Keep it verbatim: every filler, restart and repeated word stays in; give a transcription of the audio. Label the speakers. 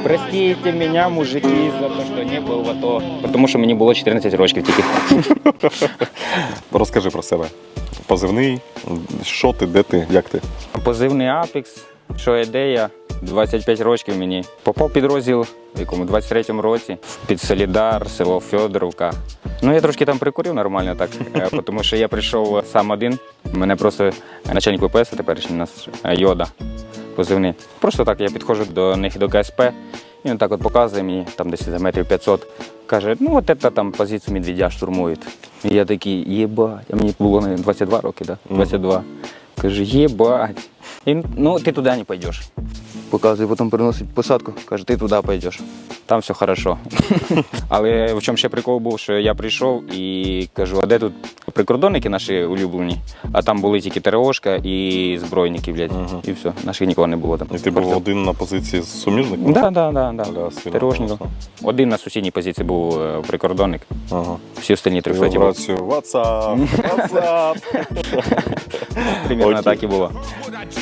Speaker 1: Простите меня, мужики, за те, що не був в АТО. Тому що мені було чотирнадцять років тільки.
Speaker 2: Розкажи про себе. Позивний, що ти, де ти, як ти?
Speaker 1: Позивний Апекс, що ідея, двадцять п'ять років мені. Попав в підрозділ в якому двадцять третьому році, під Солідар, село Федоровка. Ну, я трошки там прикурив нормально так, е, тому що я прийшов сам один. Мене просто начальник ВПС, теперішній у нас е, Йода, позивний. Просто так я підходжу до них, до КСП, і він так от показує мені, там десь за метрів п'ятсот, каже, ну от це там позицію Медведя штурмують. І я такий, єбать, а мені було наверное, двадцять два роки, да? двадцять два. Каже, єбать. І, ну, ти туди не пойдеш. Показує, потім приносить посадку, каже, ти туди пойдеш. Там все хорошо. Але в чому ще прикол був, що я прийшов і кажу, а де тут прикордонники наші улюблені? А там були тільки ТРОшка і збройники, блядь.
Speaker 2: Угу.
Speaker 1: І все, наших нікого не було там.
Speaker 2: І ти був один на позиції з суміжником?
Speaker 1: Так, так, так.
Speaker 2: Аля, сильно
Speaker 1: ТРОшником.
Speaker 2: класно.
Speaker 1: Один на сусідній позиції був е, прикордонник.
Speaker 2: Ага.
Speaker 1: Всі остальні трьохсоті були.
Speaker 2: Вібрацію. WhatsApp, WhatsApp.
Speaker 1: Примерно
Speaker 2: Окей.
Speaker 1: так і було.